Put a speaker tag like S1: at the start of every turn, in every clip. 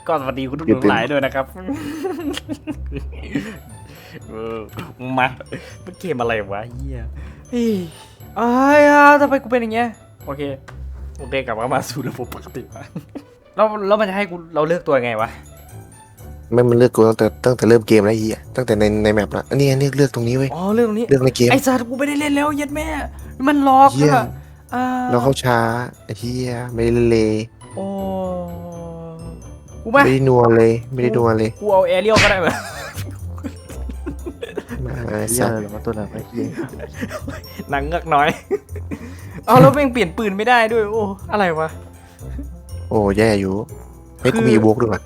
S1: ก็สวัสดีคุณทุกท่านหลายด้วยนะครับมาเป็นเกมอะไรวะเฮียเฮ้ยทำไมกูเป็นอย่างเงี้ยโอเคกลับมาสู่ระบบปกติวะแล้วมันจะให้กูเราเลือกตัวไงวะ
S2: มันเลือกกูตั้งแต่เริ่มเกมแล้วตั้งแต่ในแมปแล้วอันนี้เลือกตรงนี้เว้ย
S1: เรื่องตรงนี้
S2: เลือกในเกม
S1: ไอ้สัตว์กูไม่ได้เล่นแล้วยัดแม่มันล็อกอะ
S2: เราเข้าช้าไม่ได้เลย
S1: โอ้กู
S2: ไม่ได้นัวเลย
S1: กูเอาแอเรียลก็ได้ไหม
S2: มา
S3: เย
S2: สั
S3: อะ
S2: ตว์
S3: หรือว่าตัวไหนไอ้เหี้ย
S1: หนังเงือกน้อยเอาแล้วเปลี่ยนปืนไม่ได้ด้วยโอ้อะไรวะ
S2: โอ้แย่อยู่ให้กูมีบวกด้วย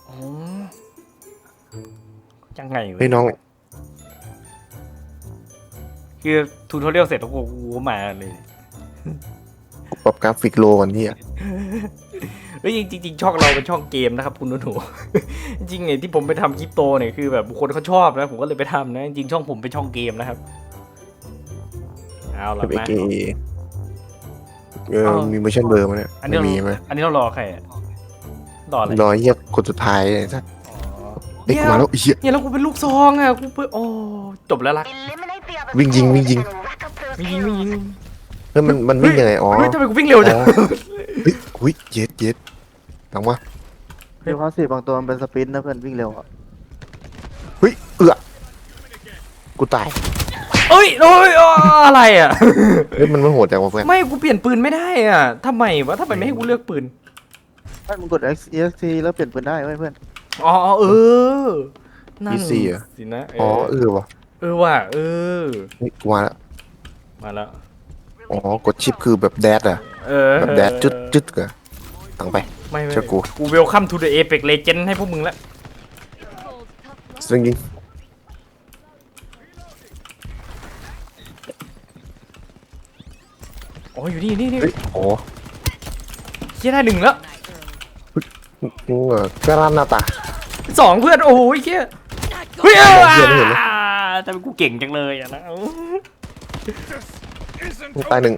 S1: ยังไงวะ
S2: เฮ้ยน้อง
S1: คือทูทอเรียลเสร็จแล้วกูมาเลย
S2: กูปรับกราฟิกโลก่อนที่
S1: เฮ้ยจริงช่องเราเป็นช่องเกมนะครับคุณหนูจริงไงที่ผมไปทำคริปโตเนี่ยคือแบบบุคคลเขาชอบนะผมก็เลยไปทำนะจริงช่องผมเป็นช่องเกมนะครับเอาละมา
S2: มีเวอร์ชันเบอร์มาเนี่ย
S1: อันนี้
S2: มีไหม
S1: อันนี้เรารอใครรออะไร
S2: รอคนสุดท้ายเลยสัตว์เด็กมาแล้ว
S1: เนี่ยแล้วกูเป็นลูกซองอ่ะกูเปิดโอ้จบแล้วล่ะ
S2: วิ่งยิงเฮ้ยมันวิ่งยังไงอ๋อ
S1: ทำไมกูวิ่งเร็วจัง
S2: อุ้ยเย็ดหลังวะ
S3: เดี๋ยวเขาสิบางตัวมันเป็นสปรินต์นะเพื่อนวิ่งเร็วอ่ะ
S2: เฮ้ยกูตาย
S1: โอ้ยอะไรอ่ะ
S2: เฮ้ยมันโหดจังวะเพื่อน
S1: ไม่กูเปลี่ยนปืนไม่ได้อ่ะทำไมไม่ให้กูเลือกปืน
S3: ไม่มึงกด EXT แล้วเปลี่ยนปืนได้เพื่อน
S1: อ๋อนั่นสินะ
S2: อ๋อว่ะ
S1: ว่ะ
S2: กูมา
S1: แล้ว
S2: อ๋อกดชิปคือแบบแดดอะแบบแดดจุดกันตั้งไป
S1: ไม่กูเวลคัมทูเดอะเอเพ็กเลเจนด์ให้พวกมึงแล้ว
S2: ซึ่งยิง
S1: อ๋ออยู่นี่
S2: อ๋อ
S1: เชี่ยได้หนึ่งแล้ว
S2: กระนาตา
S1: สองเพื่อนโอ้ยเชี่ยเฮ้ยแต่กูเก่งจังเลยอ่ะนะ
S2: ตายหนึ่ง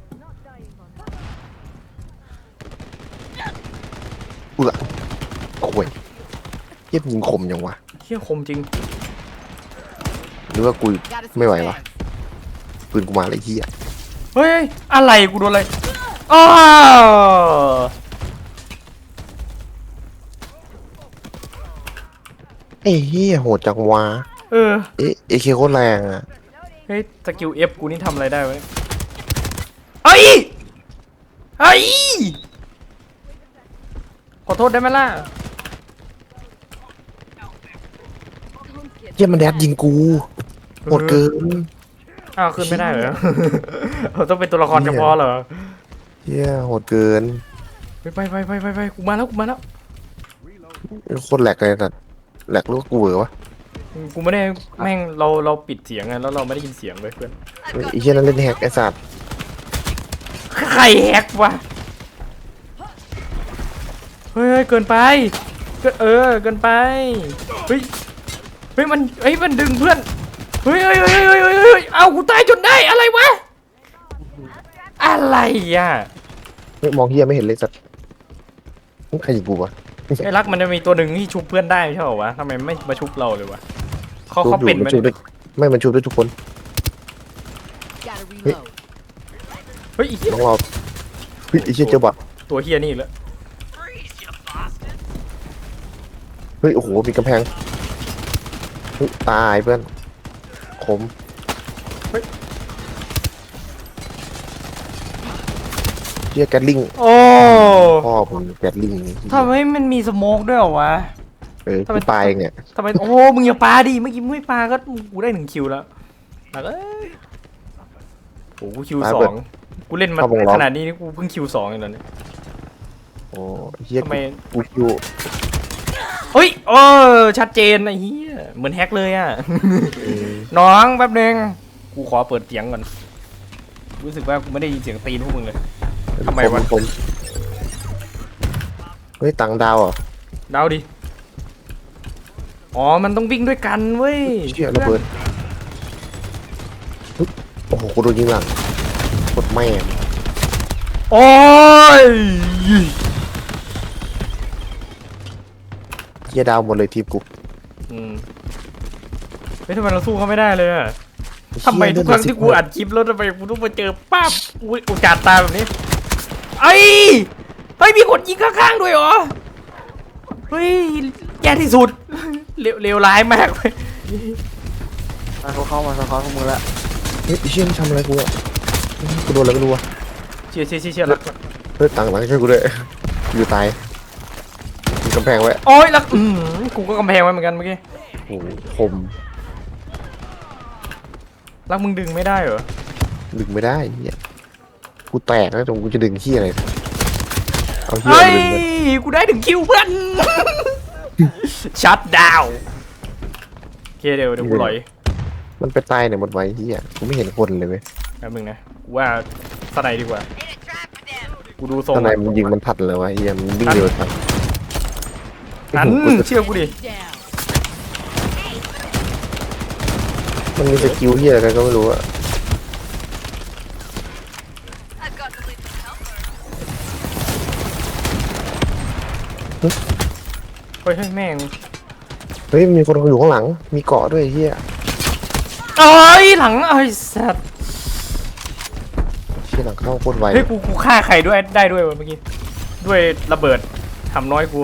S2: ข่วยเย็บยิงคมยังวะ
S1: เชี่ยคมจริง
S2: หรือว่ากูไม่ไหววะปืนกูมาเลยเฮีย
S1: เฮ้ยอะไรกูโดนอะไรอ้า
S2: ไอ้เฮียโหดจังวะเอเคโคตรแรงอ่ะ
S1: เฮ้ยสกิลเอฟกูนี่ทำอะไรได้วะเฮ้ยขอโทษได้ไหมล่ะ
S2: เฮียมันแดดยิงกูโหดเกิน
S1: ขึ้นไม่ได้เหรอต้องเป็นตัวละครเฉพาะเหรอ
S2: เฮียโหดเกิน
S1: ไปกูมาแล้ว
S2: โคตรแหลกเลยแต่แหลกลูกกูเหรอวะ
S1: กูไม่ได้แม่งเราปิดเสียงไงแล้วเราไม่ได้ยินเสียงเลยเพื่อน
S2: ไอ้เฮียนั่นเล่นแฮกไอ้สัตว์
S1: ใครแฮกวะเฮ้ยเกินไปเกินไปเฮ้ยมันดึงเพื่อนเฮ้ยเอากูตายจนได้อะไรวะอะไรอ่ะ
S2: มองเฮียไม่เห็นเลยสัตว์ใครยิงกูวะ
S1: ไอ้รักมันจะมีตัวหนึ่งที่ชุบเพื่อนได้ใช่ป่าววะทำไมไม่มาชุบเราเลยวะเขาเป็น
S2: มันชุบได้ไม่มันชุบได้ทุกคน
S1: เฮ้ยอีก
S2: ต้องรอเฮ้ยไอ้เชี่ยเจ้าบัก
S1: ตัวเฮียนี่แล้ว
S2: เฮ้ยโอ้โหมีกำแพงตายเพื่อนขมเชี่ยแกตลิง
S1: โอ้
S2: พ่อผมแกตลิง
S1: ทำไมมันมีสโมกด้วยเหรอวะ
S2: ทำไมปลาเนี่ย
S1: ทำไมโอ้มึงอย่าปลาดิเมื่อกี้ไม่ปลาก็กูได้1 คิวแล้วโอ้กูคิว 2กูเล่นมาขนาดนี้นี่กูเพิ่งคิว 2เองตอนนี้
S2: โอ้เฮียทำไมกูคิว
S1: เฮ้ยชัดเจนไอ้เหี้ยเหมือนแฮกเลยอ่ะน้องแป๊บนึงกูขอเปิดเสียงก่อนรู้สึกว่ากูไม่ได้ยินเสียงตีนพวกมึงเลยทำไมวะ
S2: เฮ้ยตังดาวอ่ะ
S1: ดาวดิอ๋อมันต้องวิ่งด้วยกันเว้ย
S2: เชี่ยระเบิดโอ้โหกูโดนยิงหลังกดแม่
S1: โอ้ย
S2: หี้ยดาวหมดเลยทีมกู
S1: เฮ้ยทำไมเราสู้เขาไม่ได้เลยอะทำไมทุกครั้งที่กูอัดคลิปแล้วทำไมกูต้องมาเจอป้าบอุ๊ยโอกาสตายแบบนี้เฮ้ยมีคนยิงข้างๆด้วยเหรอเฮ้ยแย่ที่สุดเลวร้ายมากเลย
S3: เขาเข้ามาสะท้อนพวกมึงละ
S2: เฮ้ยไอ้เชี่ยมันทำอะไรกูอ่ะกูโดนอะไรไม่รู้อ่ะ
S1: เชี่ยรัก
S2: เฮ้ยต่างช่วยกูด้วยอยู่ตายมีกำแพงไว้
S1: โอ้ยรักกูก็กำแพงไว้เหมือนกันเมื่อกี้
S2: โอ้โหคม
S1: รักมึงดึงไม่ได้เหรอ
S2: ดึงไม่ได้เหี้ยกูแตกแล้วตรงกูจะดึงขี้อะไรเอาเหี้ย
S1: เฮ้ย
S2: ดึงมัน
S1: กูได้ถึงคิวเพื่อนชัดดาวโอเคเดี๋ยวกูลอย
S2: มันไปตายเนี่ยหมดไว้เหี้ยกูไม่เห็นคนเลยเว้ย
S1: แป๊บนึงนะกูว่าสไนดีกว่ากูดูทรง
S2: ตอนไหนมันยิงมันทัดเลยวะเหี้ยมันวิ่งเร็วทัด
S1: อันเชื่อกูดิ
S2: มันมีสกิลเหี้ยอะไรก็ไม่รู้อะ
S1: เฮ้ยแม่ง
S2: เฮ้ยมีคนอยู่ข้างหลังมีเกาะด้วยเหี้ย
S1: เอ้ยหลังไอ้สัตว์
S2: เชี่ยหลังเข้าโคตรไว
S1: เฮ้ยกูฆ่าใครด้วยได้ด้วยวะเมื่อกี้ด้วยระเบิดทำน้อยกู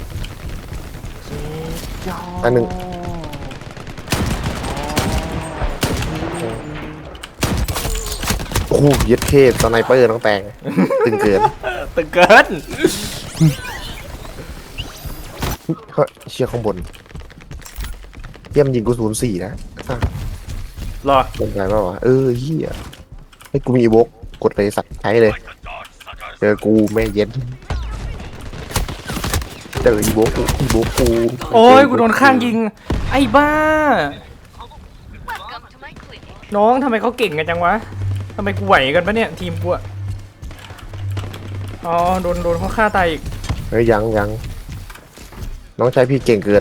S2: อันหนึ่งโอ้โหเย็ดเคสสไนเปอร์ต้องแต่งตึงเกิน
S1: ตึงเกิน
S2: เฮ้ยเชี่ยข้างบนเยี่ยมยิงกู04นะ
S1: รอ
S2: เป็นไงบ้างวะเฮียให้กูมีอีโวกกดเลยสัตว์ใช้เลยเจอกูแม่เย็นเจออีโวกกู
S1: โอ้ยกูโดนข้างยิงไอ้บ้า น้องทำไมเขาเก่งกันจังวะทำไมกูไหวกันปะเนี่ยทีมกูอะอ๋อโดนเขาฆ่าตายอีก
S2: เฮ้ยยังน้องชายพี่เก่งเกิน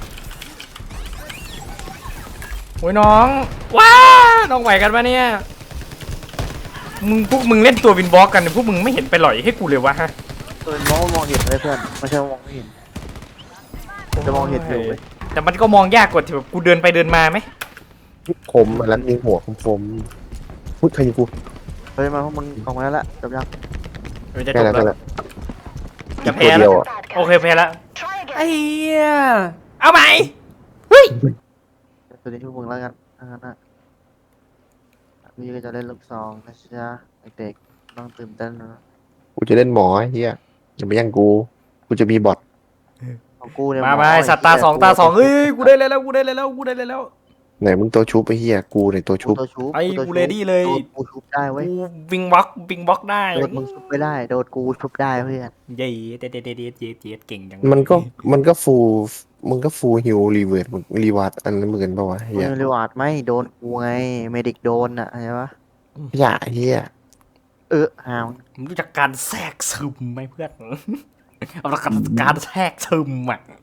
S1: โอ้ยน้องว้าน้องไหวกันปะเนี่ยพวกมึงเล่นตัววินบล็อกกันพวกมึงไม่เห็นไปหล่อยให้กูเลยวะฮะ
S3: ตัวมองเห็นเลยเพื่อนไม่ใช่มองไม่เห็นจะมองเห็นอยู่เลย
S1: แต่มันก็มองยากกว่าที่แบบกูเดินไปเดินมาไหม
S2: คมแล้วยิงหัวคมพูดใครยิงกู
S3: เฮ้ยมาพวกมึงออกมาแล้วละจบยัง
S1: จะจ
S2: แค่
S1: บ
S2: นั้น
S1: แล้ว
S2: แหละ
S1: จะแพ้
S2: ตัว
S1: แล้
S2: เดียว
S1: ว
S2: อ่ะ
S1: โอเคแพ้แล้วไอ้เหี้ยเอาใหม่เฮ้ย
S3: ตัวนี้พวกมึงแล้วกันนะพี่ก็จะเล่นลูกซองนะจ๊ะเด็กๆต้องตื่นเต้นนะ
S2: กูจะเล่นหมอไอ้เฮียอย่าไปยั่งกูจะมีบอท
S3: ของกูเนี่ย
S1: มาสัตว์ตาสองเฮ้ยกูได้เลยแล้ว
S2: ไหนมึงตัวชุบไอ้เฮียกูในตัวชุบ
S3: ตัวชุบ
S1: ไอ้กูเลดี้เลย
S3: กูชุบได้เว้ย
S1: กูวิงบล็อกได้
S3: โดนมึงชุบไม่ได้โดนกูชุบได้เพื่อน
S1: เย้เด็ดเก่งจัง
S2: มันก็ฟูลฮิวรีเวิร์ดรีวาร์ดอันนั้นเหมือนป่าวะเฮี
S3: มึ
S2: ย
S3: งรีวาร์ดไม่โดนกูไงเมดิกโดนอ่ะใช่ปะ
S2: อย่าเฮีย
S3: หาว
S1: มึงรู้จักการแทรกซึมไหมเพื่อน เอาละการแทรกซึมอ่ะ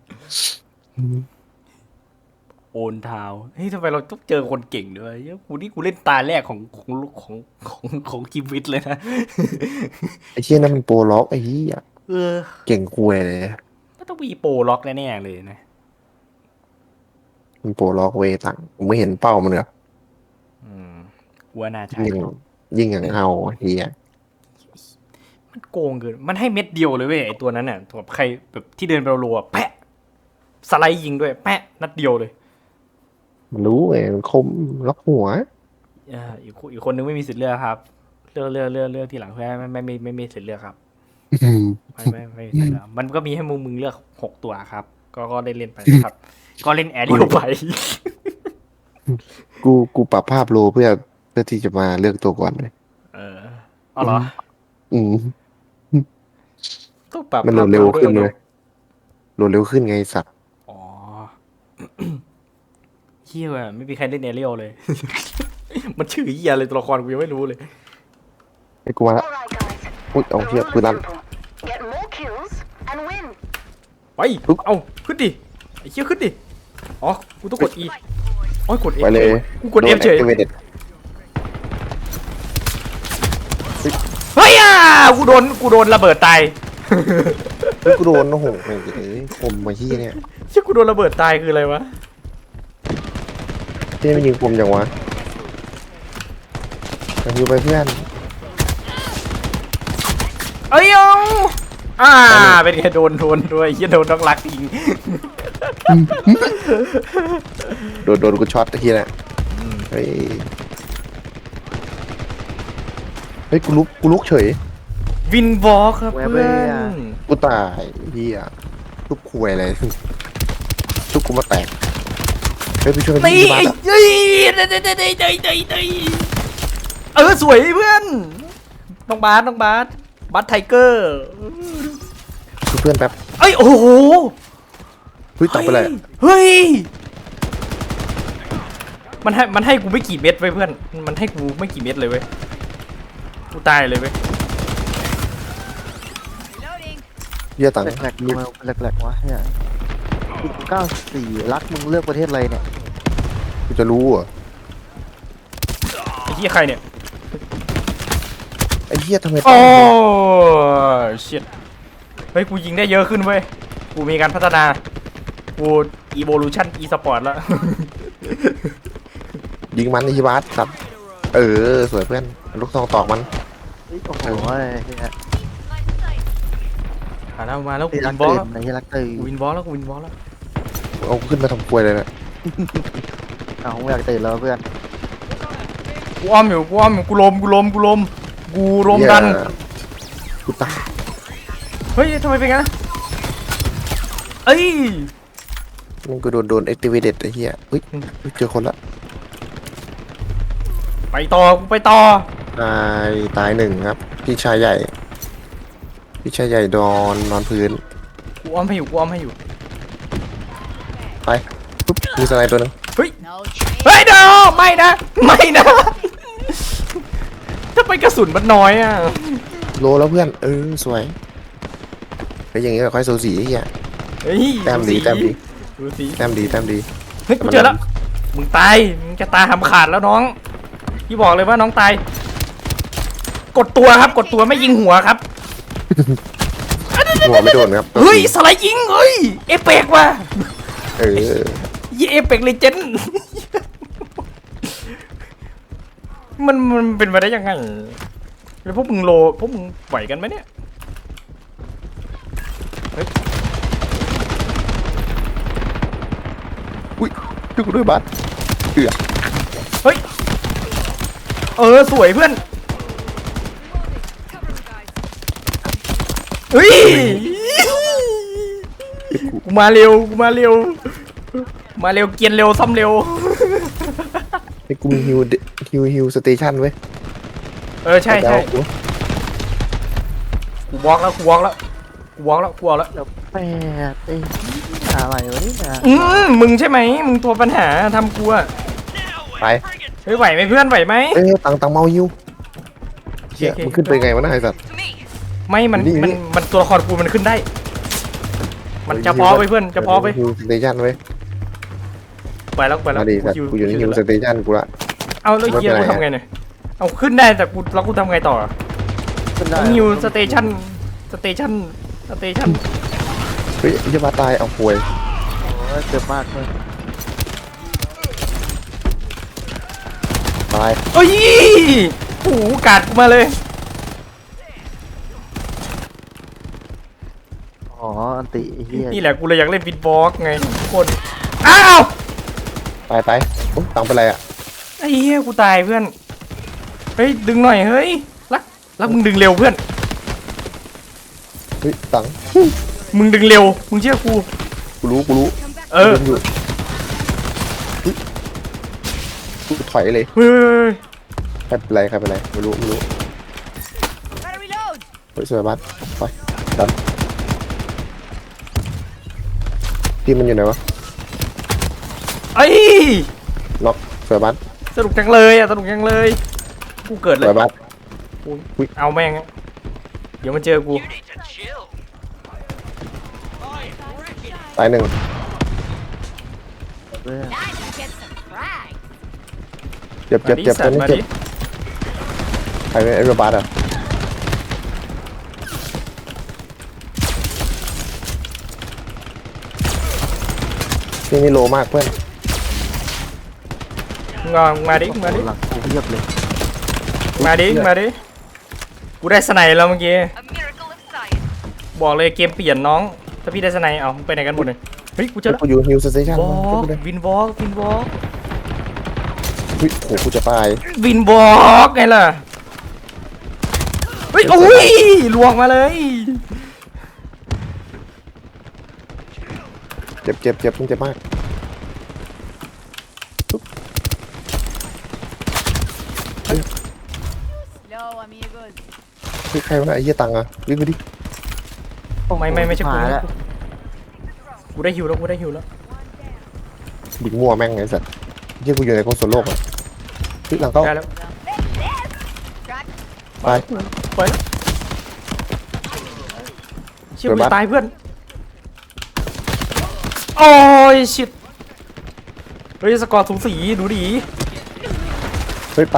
S1: โอนเท้าเฮ้ยทำไมเราต้องเจอคนเก่งด้วยกูเล่นตาแรกของชีวิตเลยนะ
S2: ไอ้เชี่ยนั่นมันโปรล็อกไอ้เฮีย
S1: เออ
S2: เก่งคุยเลย
S1: ก็ต้องมีโปรล็อกแน่ๆเลยนะ
S2: มันโปรล็อกเวตังผมไม่เห็นเป้ามันเหรอ
S1: กูว่าน่าใช่
S2: ยิงอย่างเอาเฮีย
S1: มันโกงเกินมันให้เม็ดเดียวเลยเว้ยไอตัวนั้นน่ะแบบใครแบบที่เดินไปรัวๆแปะสไลด์ยิงด้วยแปะนัดเดียวเลย
S2: มันรู้ไงมันคมล็อกหัว
S1: อีกคนนึงไม่มีสิทธิ์เลือกครับเลือกทีหลังเพื่อนไม่มีสิทธิ์เลือกครับไม่มีสิทธิ์เลือกมันก็มีให้มึงเลือก6ตัวครับ ก็ได้เล่นไปครับ ก็เล่นแอร์เดียวไป
S2: กูปรับภาพโลเพื่อที่จะมาเลือกตัวก่อนเลย
S1: เอาเหรอ
S2: อืม
S1: ต้องปรับ
S2: มันโหลดเร็วขึ้นเลยโหลดเร็วขึ้นไงสัตว์
S1: อ๋อเฮียว่ะไม่มีใครเล่นแอร์เรียลเลย มันชื่อเฮียเลยตัวละครกูยังไม่รู้เลย
S2: ไอ้กูมาละอุ้ยเอาเฮียปืนลั่น
S1: ไปเอาขึ้นดิไอ้เชี่ยขึ้นดิอ๋อกูต้องกด E อ๋อกด F
S2: ไปเลย
S1: กูกด F เฉย
S2: โน activated
S1: เฮ้ยกูโดนระเบิดตาย
S2: เฮ้ยกูโดนโอ้โหไอ้เอ้ยคมมาที่เนี่ย
S1: เชี่ยกูโดนระเบิดตายคืออะไรวะ
S2: ที่ไม่ยิงคมจังวะยังอยู่ไปเพื่อน
S1: เอ้ยเอาเป็นไงโดนด้วยเหี้ยโดนน้องรักยิง
S2: โดนกูช็อตตะกี้แหละเฮ้ยเฮ้ยกูลุกเฉย
S1: วินวอล์กครับเพื่อน
S2: กูตายเฮียทุกคุยอะไรทุกกูมาแตกเฮ้ยไปช่วยกัน
S1: ตี
S2: ที่บ้าน
S1: เฮ้ยสวยเพื่อนน้องบาสไทเกอร์
S2: คือเพื่อนแป๊บ
S1: เอ้ยโอ้โห
S2: เฮ้ยตอบไปเลย
S1: เฮ้ยมันให้กูไม่กี่เม็ดไว้เพื่อนมันให้กูไม่กี่เม็ดเลยเว้ยกูตายเลยเว้ย
S2: เฮียตังค์
S3: แหลกๆดูมาแหลกๆวะเฮีย94รักมึงเลือกประเทศอะไรเนี่ย
S2: กูจะรู้เหรอ
S1: ไอ้เหี้ยใครเนี่ย
S2: ไอ้เฮียทำไม
S1: โอ้ชิตเฮ้ยกูยิงได้เยอะขึ้นเว้ยกูมีการพัฒนากู evolution e-sport แล้ว
S2: ยิงมันในที่บ้านครับสวยเพื่อนลูกซองตอกมัน
S3: เฮ้ยโอ้โหเฮีย
S1: มาแล้วกู
S3: ตีรั
S1: วิ
S3: ก
S1: นบอล
S3: ตื่
S1: แล้ว
S3: นนะเฮียรักตื่น
S1: กูวินบอลแล้วกูวินบอลแล้ว
S2: เอาขึ้นมาทำควยเลยนะ
S3: เอาไม่อยากตื่นแล้วเพื่อน
S1: กูอ้อมอยู่กูลมกัน
S2: เหี้ยกูตาย
S1: เฮ้ยทำไมเป็นงั้นเอ้ย
S2: มันกูโดน activated ไอ้เฮียเฮ้ยเจอคนละ
S1: ไปต่อกูไปต่อ
S2: ตายหนึ่งครับพี่ชายใหญ่นอนพื้น
S1: กูอ้อมให้อยู่
S2: ไปปุ๊บมีสไนด์ตัวหนึง
S1: เฮ้ยเดี๋ยวไม่นะถ้าไปกระสุนมันน้อยอ่ะ
S2: โลแล้วเพื่อนสวยไอ้ยอย่างงี้ก็ค่อยสูสีไอ้เฮีย
S1: เฮ้ย
S2: แต้มดี
S1: ดูสิ
S2: แต้มดี
S1: เฮ้ยกูเจอแล้วมึงตายมึงจะตาหำขาดแล้วน้องพี่บอกเลยว่าน้องตายกดตัวครับกดตัวไม่ยิงหัวครับ
S2: หัวไม่โดนครับ
S1: เฮ้ยสไลด์ยิงเฮ้ยเอเปกว่ะ
S2: เออ
S1: ยี่เอเปกเลเจนด์ มันเป็นไปได้ยังไงแล้วพวกมึงไหวกันไหมเนี่ย
S2: อุ้ยช่วยกูด้วยบัสเอือ
S1: เฮ้ยสวยเพื่อนเฮ้ยกูมาเร็วมาเร็วเกียนเร็วซ่อมเร็ว
S2: ไอ้กูมีฮิวสเตชันเว้ย
S1: ใช่กูวอล์กแล้วแล้ว
S3: แปดเอ้ยอะไรวะนี่นะ
S1: มึงใช่ไหมมึงตัวปัญหาทำกูอะ
S2: ไป
S1: เฮ้ยไหวไหมเพื่อนไหวไหม
S2: ตังเมาฮิวเชี่ยมันขึ้นไปไงวะน่าไอ้สัตว์
S1: ไม่มันตัวละครกูมันขึ้นได้ มันจะพอไปเพื่อนจะพอไป
S2: ฮิวสเตชันเว้ย
S1: ไปแล้ว
S2: มาดิสัตว์กูอยู่ในฮิวสเตชันกูละ
S1: เอาแล้วเฮียกูทำไงเนี่ยเอาขึ้นได้แต่กูทำไงต่อ
S3: ขึ้นได้
S1: นิวสเตชัน
S2: เฮ้ยจะมาตายเอาป่วย
S3: โอ้ยเจ็บมากเลย
S2: ตาย
S1: โอ้ยโอ้โหกาดกูมาเลย
S3: อ๋ออันติไอ้เฮีย
S1: นี่แหละกูเลยอยากเล่นฟิตบอลไงทุกคนอ้าว
S2: ตายตังเป็นไรอ่ะ
S1: ไอ้เหี้ยกูตายเพื่อนเฮ้ยดึงหน่อยเฮ้ยรักมึงดึงเร็วเพื่อน
S2: เฮ้ยตัง
S1: มึงดึงเร็วมึงเชื่อกู
S2: กูรู้ ดึงอยู่เฮ้ยกูถอยเลย
S1: เฮ้ย
S2: ใครเป็นไรไม่รู้เฮ้ยสวยบัสไปดันทีมมันอยู่ไหนวะ
S1: ไอ้ย
S2: ล็อกสวยบัส
S1: สนุกจังเลยกูเกิด
S2: ส
S1: เลย
S2: วยบัส
S1: เอาแม่งอะเดี๋ยวมันเจอกู
S2: ตายหนึ่ง
S3: เพื่อน
S2: เจ็บ
S1: มาดิ
S2: ต
S1: สั
S2: อน
S1: ตว์
S2: นี้
S1: มา
S2: เจ็บ
S1: ดิ
S2: ใครเป็นไอ้บัสอ่ะนี่โลมากเพื่อน
S1: งอมาดิมาดิ
S3: หลังกูเพียบเลย
S1: มาดิมาดิกูได้สไนแล้วเมื่อกี้
S4: A miracle of science.
S1: บอกเลยเกมเปลี่ยนน้องถ้าพี่ได้สไนเอาไปไหนกันหมดเลยเฮ้ยกูเจอแล้ว
S2: กูอยู่ฮิลสเตชัน
S1: วอล์กวินวอล์กวินวอล์ก
S2: เฮ้ยโหกูจะตาย
S1: วินวอล์กไงล่ะเฮ้ยโอ้ยลวงมาเลย
S2: เจ็บเจ็บเจ็บมึงเจ็บมาก
S4: Hello, amigos.
S2: เฮ้ยใครวะไอ้เหี้ยตังค์อะวิ่งไปดิ
S1: ไม่ใช่กู
S3: หายแล้ว
S1: กูได้ฮิวแล้วกูได้ฮิวแล้ว
S2: บิ๊กมั่วแม่งไอ้สัตว์เหี้ยกูอยู่ในคอนโซลโลกอะเฮ้ยหลังเข้า
S1: ได้แล้ว
S2: ไป
S1: ไปแล้วเชี่ยกูจะตายเพื่อนโอ้ยชิตเฮ้ยสกอร์สูสีดูดิ
S2: เฮ้ยไป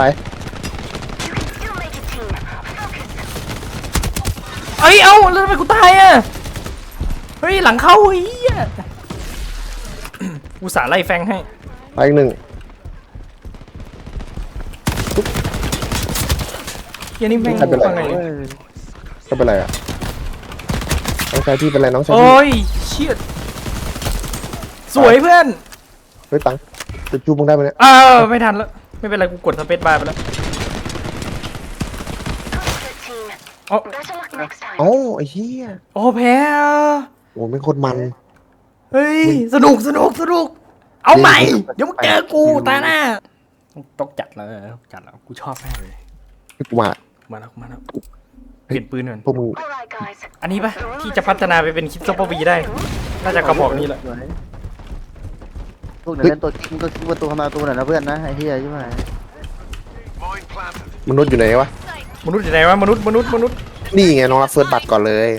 S1: เอ้ยเอ้าแล้วทำไมกูตายอ่ะเฮ้ยหลังเข้าเฮียกูสาไล่แฟงให้
S2: ไปอีกหนึ่ง
S1: เฮียนี่แม่ง
S2: ใครเป็นไร
S1: ฟังไง
S2: ก็เป็นไรอะน้องชายพี่เป็นไรน้องชายพี่
S1: โอ้ยเชี่ยสวยเพื่อน
S2: เฮ้ยตังค์จะจูบมึงได้ไหมเนี่ย
S1: อ้าวไม่ทันแล้วไม่เป็นไรกูกดสเปซบาร์ไปแล้วอ๋อ
S2: เอ้าไอ้เหี้ย
S1: โอ้แพ้อ่ะ
S2: โอ้ไม่งโคตรมัน
S1: เฮ้ยสนุกเอาใหม่เดี๋ยวมึงเจอกูตาหน้าต้องจัดแล้วกูชอบมากเลย
S2: ให้กูมา
S1: มาแล้วเปลี่ยนปืนก่อน
S2: พวกมึง
S4: Alright, guys.
S1: อันนี้ปะที่จะพัฒนาไปเป็นคิดซุปเปอร์วีได้น่าจะกระบอกนี้แหละ
S3: พวกเดี๋ยวเล่นตัวกิ้งก็กิ้งประตูเข้ามาประตูหน่อยนะเพื่อนนะไอ้เหี้ยใช่ไหม
S2: มนุษย์อยู่ไหนวะ
S1: มนุษย์อยู่ไหนวะมนุษย์
S2: นี่ไงน้องรักเฟิร์สบัตรก่อนเลย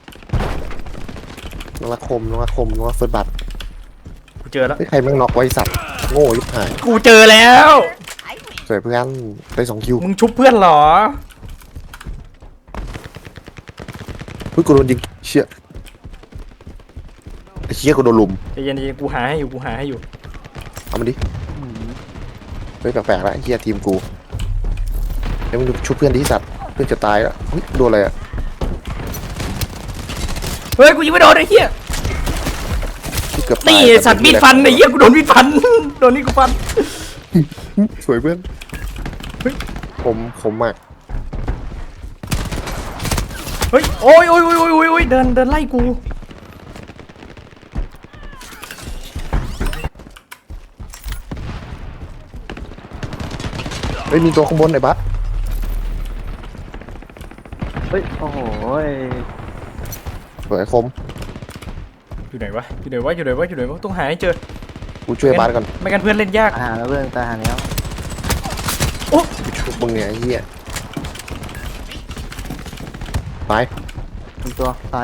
S2: น้องรักคมน้องรักเฟิร์สบัตร
S1: กูเจอแล้ว
S2: เฮ้ยใครแม่งน็อกไว้สัตว์โง่ยิบหาย
S1: กูเจอแล้ว
S2: สวยเพื่อนได้2 คิว
S1: มึงชุบเพื่อนเหรอ
S2: เฮ้ยกูโดนยิงเชี่ยไอ้เชี่ยกูโดนลุม
S1: ใจเย็นๆกูหาให้อยู่
S2: เอามันดิเฮ้ยแปลกๆแล้วไอ้เชี่ยทีมกูเดี๋ยวมึงชุบเพื่อนดิสัตว์เพื่อนจะตายแล้วเฮ้ยโดนอะไรอะ
S1: เฮ้ยกูยิงไม่โดนไอ้เหี้ย
S2: ที่เกือบตาย
S1: นี่สัตว์มีดฟันไอ้เหี้ยกูโดนมีดฟัน โดนนี่กูฟัน
S2: สวยเพื่อน
S1: เฮ้ย
S2: ผมมาก
S1: เฮ้ยโอ้ยเดินไล่กู
S2: เฮ้ยมีตัวข้างบนไอ้บัส
S3: เฮ้ยโอ้โห
S2: สวยคม
S1: อยู่ไหนวะต้องหาให้เจอ
S2: กูช่วยบัสก่อน
S1: ไม่งั้นเพื่อนเล่นยาก
S3: ตายหาแล้วเพื่อนตายหาแล้ว
S1: โอ้
S2: ชุบมึงเนี่ยไอ้เหี้ยไป
S3: มีตัวซ้าย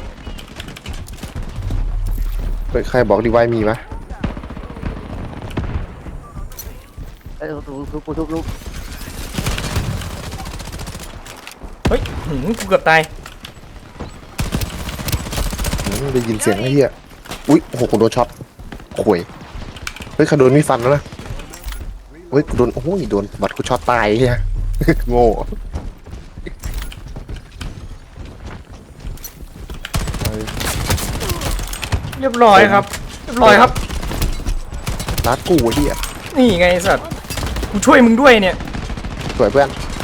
S2: เฮ้ยใครบอกดีไวมีมะ
S3: เอ้ยทุบ
S1: เฮ้ยกูเกือบตาย
S2: ได้ยินเสียงไอ้เหี้ยอุ้ยโอ้โหกูโดนช็อตข่วยเฮ้ยใครโดนมีดฟันแล้วนะเฮ้ยกูโดนโอ้โหโดนบัตรกูช็อตตายไอ้เหี้ย โง่
S1: เรียบร้อยครับ
S2: รัดกูไอ้เหี้ย
S1: นี่ไงไอ้สัตว์กูช่วยมึงด้วยเนี่ย
S2: สวยเพื่อน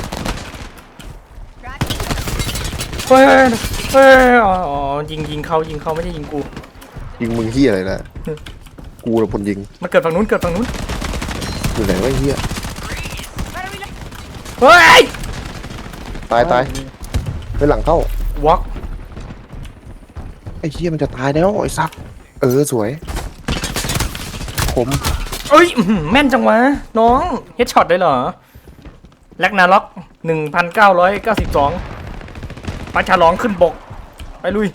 S1: เฮ้ยอ๋อยิงเขาไม่ใช่ยิงกู
S2: ยิงมึงเหี้ยอะไรนะกูเป็นคนยิง
S1: มันเกิดฝั่งนู้น
S2: อยู่ไหนวะไอ้เหี้ย
S1: เฮ้ย
S2: ตายไปหลังเข้าว
S1: อล์ก
S2: ไอ้เหี้ยมันจะตายแล้วไอ้สัตว์สวยผม
S1: เอ้ยแม่นจังวะน้องเฮดช็อตได้เหรอแลกนาล็อก1992ปลาฉลองขึ้นบกไปลุย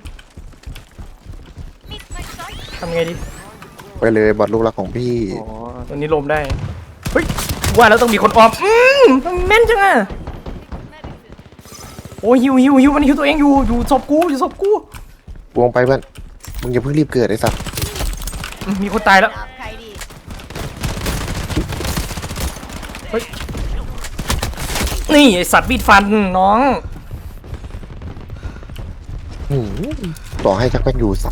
S4: Meet my sight.
S1: ทำไงดี
S2: ไปเลยบัตรลูกรักของพี่
S3: โอ้โห
S1: ตัวนี้ลมได้เฮ้ยว่าแล้วต้องมีคนออมแม่นจังอะโอ้ยหิวมันหิวตัวเองอยู่ศพกู
S2: วงไปเพื่อนมึงอย่าเพิ่งรีบเกิดไอ้สัตว์
S1: มีคนตายแล้ว
S4: Up, Kaidi.
S1: นี่ไอสัตว์มีดฟันน้อง
S2: หืมต่อให้ชักแป้นอยู่สับ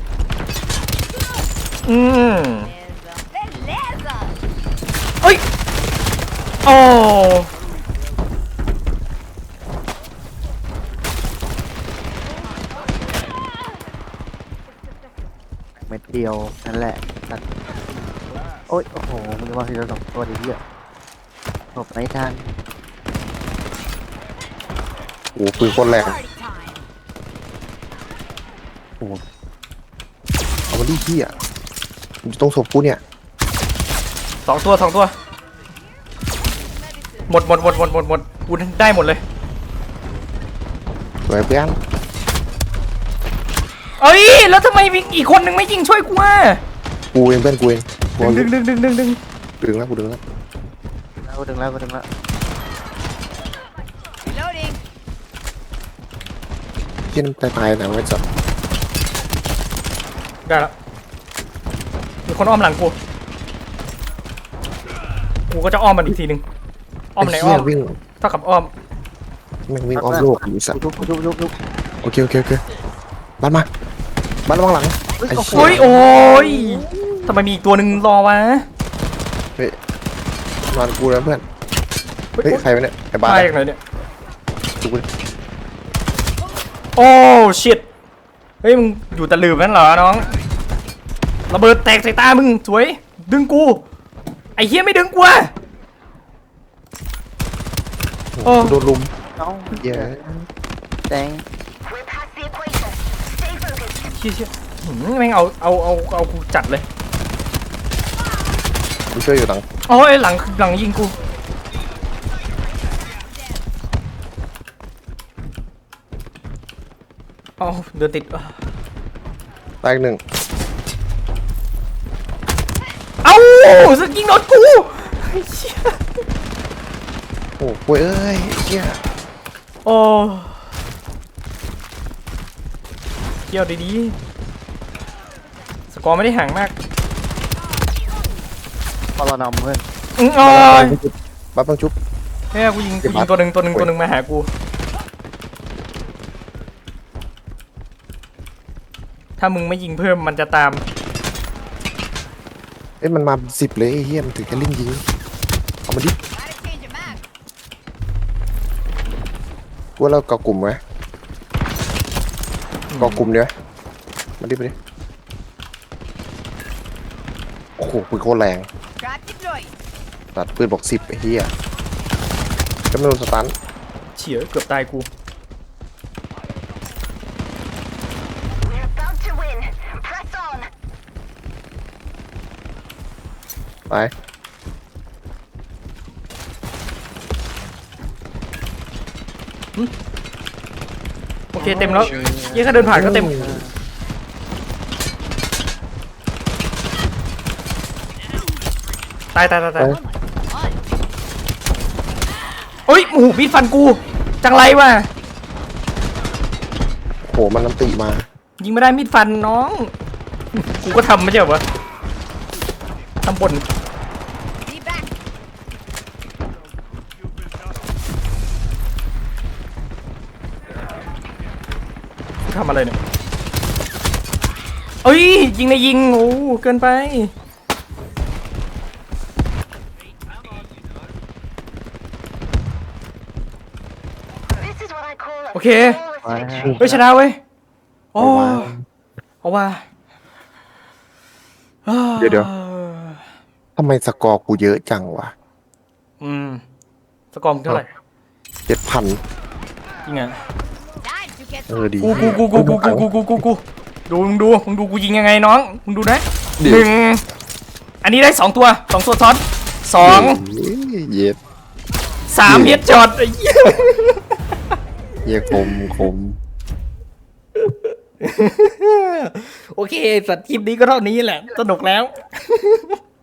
S1: อืม
S4: Beleza.
S1: เอ้ยโอ้
S3: เม็ดเดียวนั่นแหละนั่นโอ้ยโอ้โหมึงจะมาทีละ2 ตัวดิพี่หลบไม่ทัน
S2: โอ้ปืนโคนแรง
S4: Party time.
S2: โอ้เอามาดิพี่อ่ะมันจะต้องศพกูเนี่ย
S1: สองตัวหมดกูได้หมดเลย
S2: สวยเพื่อน
S1: เอ้ยแล้วทำไมอีกคนนึงไม่ยิงช่วยกูอ่ะ
S2: กูเองเพื่อนกูเองกูเอา
S1: ดึง
S2: ดึงแล้วกูดึงแล้ว
S3: แล้วก็ดึงแล้วก็ดึงแล้ว
S4: Reloading.
S2: ที่นั่นตายๆนะไว้จับ
S1: ได้แล้วมีคนอ้อมหลังกูก็จะอ้อมมันอีกทีนึงอ้อมไหน
S2: ไอ้
S1: อ้
S2: เหี้
S1: อย ม
S2: วิ่ง
S1: เท่ากับอ้อม
S2: แม่งวิ่งอ้อมโลกอยู่สัตว์
S3: ยุบ
S2: โอเคบ้านมาบ้านระวังหลัง
S3: เฮ้ย
S2: ไอ้
S3: โอ้โห
S2: เหี้
S1: โอ้ยโอ้ยทำไมมีอีกตัวหนึ่งรอวะ
S2: เฮ้ยนอนกูนะเพื่อนเฮ้ยใครวะเนี่ยไอ้บ้า
S1: ตายอย่างไรเนี่ย
S2: ดูกูดิ
S1: โอ้ชิตเฮ้ยมึงอยู่ตะลืมนั่นเหรอน้องระเบิดแตกใส่ตามึงสวยดึงกูไอ้เหี้ยไม่ดึงกูอ่ะ
S2: โอ้โหกูโดนลุม
S3: เอ้า
S2: เหี้ย
S3: แดง
S1: เชี่ยแม่งเอากูจัดเลย
S2: กูช่วยอยู่หลัง
S1: โอ้ยหลังยิงกูเอาเดินติด
S2: ตายอีกหนึ่ง
S1: เอ้าสึกยิงโดนกูไอ้เชี่ย
S2: โอ้โหเอ้ยเหี้ย
S1: โอ้เกี่ยวดีๆสกอร์ไม่ได้ห่างมาก
S3: พอเรานำเพื่อน
S1: โอ้ย
S2: บ้านต้องชุบ
S1: เฮ้ยกูยิงตัวหนึ่งมาหากูถ้ามึงไม่ยิงเพิ่มมันจะตาม
S2: เอ้ยมันมา10เลยไอ้เหี้ยมันถึงจะลิ่งยิงเอามาดิ
S4: Gotta change your mag.
S2: กูว่าเราเกาะกลุ่มไหมเกาะกลุ่มเดี๋ยวมาดิโอ้โหปืนโคตรแรง
S4: Trap deployed.
S2: ตัดปืนบอก10ไอ้เหี้ยก็ไม่โดนสตัน
S1: เฉียเกือบตายกู
S4: We're about to win. Press on.
S2: ไป
S1: โอเคเต็มแล้วเหี้ยแค่เดินผ่านก็เต็มตาย
S2: ไป
S1: โอ้ยโอ้โหมีดฟันกูจังไรวะ
S2: โหมันน้ำติมา
S1: ยิงไม่ได้มีดฟันน้องกูก็ทำไม่ใช่เหรอวะทำบน
S4: Be back.
S1: กูทำอะไรเนี่ยเอ้ยยิงในยิงโอ้เกินไป
S4: This is what I call a
S1: โอเค
S3: ไปฮะ
S1: เฮ้ยชนะเว้ยโอ้เอาว่า
S2: เดี๋ยวทำไมสกอร์กูเยอะจังวะ
S1: สกอร์มึงเท่าไหร่
S2: 7,000
S1: จริงอ่ะ
S4: time to get
S2: ดี
S1: กูดูมึงดูกูยิงยังไงน้องมึงดูนะ
S2: เดี๋ยว
S1: หนึ่งอันนี้ได้2 ตัวซ้อนสอง
S2: เย็ด
S1: 3เฮดช็อตไอ้เหี้ย
S2: เย็ดคม
S1: โอเคสัตว์คลิปนี้ก็เท่านี้แหละสนุกแล้ว